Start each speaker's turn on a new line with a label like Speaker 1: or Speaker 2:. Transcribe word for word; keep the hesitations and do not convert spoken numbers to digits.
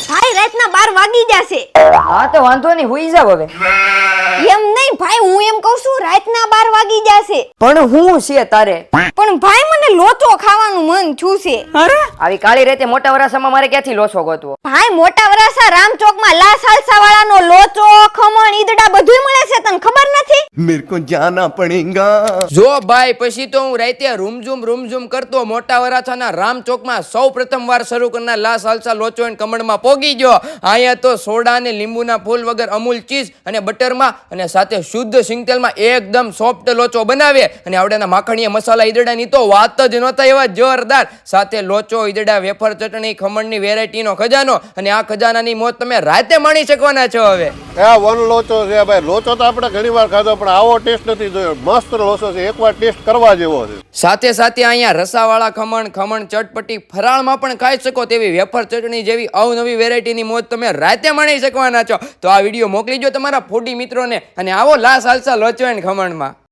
Speaker 1: ભાઈ રાતના બાર વાગી જશે.
Speaker 2: હા તો વાંધો નહીં, હુઈ જાવ હવે.
Speaker 1: એમ નહીં ભાઈ, હું એમ કહું છું રાતના બાર વાગી જશે.
Speaker 2: પણ હું છે તારે?
Speaker 1: પણ ભાઈ મને લોચો ખાવાનું મન થયું છે.
Speaker 2: અરે આવી કાળી રેતે મોટા વરાસામાં મારે ક્યાંથી લોચો ગોતવો?
Speaker 1: ભાઈ મોટા વરાસા રામચોકમાં લા સાલસા વાળાનો લોચો, ખમણ, ઈદડા બધુંય મળે છે, તને ખબર નથી?
Speaker 3: मेरे को जाना पड़ेगा.
Speaker 4: જો ભાઈ પછી તો હું રાતે રૂમઝુમ રૂમઝુમ કરતો મોટા વરાછાના રામચોકમાં સૌ પ્રથમ વાર શરૂ કરનાર લા સાલસા લોચો એન્ડ કમળમાં પોગી ગયો. અહીંયા તો સોડા અને લીંબુના ફૂલ વગર અમૂલ ચીઝ અને બટરમાં અને સાથે શુદ્ધ સિંગતેલમાં એકદમ સોફ્ટ લોચો બનાવે. અને આવડાના માખણીયા મસાલા ઈદડાની તો વાત જ નહોતા એવા જોરદાર. સાથે લોચો, ઈદડા, વેફર, ચટણી, ખમણની વેરાયટીનો ખજાનો. અને આ ખજાનાની મોજ તમે રાતે માણી શકવાના છો. હવે
Speaker 5: આ વન લોચો છે ભાઈ. લોચો તો આપણે ઘણી વાર ખાધો પણ આવો ટેસ્ટ નથી જોયો. મસ્ત લોચો છે, એકવાર ટેસ્ટ કરવા જેવો છે.
Speaker 4: સાથે સાથે અહીંયા રસાવાળા ખમણ, ખમણ ચટપટી ફરાળમાં પણ ખાઈ શકો તેવી વેફર ચટણી જેવી અવનવી વેરાયટીની મોજ તમે રાતે માણી શકવાના છો. તો આ વિડીયો મોકલી દો તમારા ફૂડી મિત્રોને અને આવો લા સાલસા લોચો એન્ડ ખમણમાં.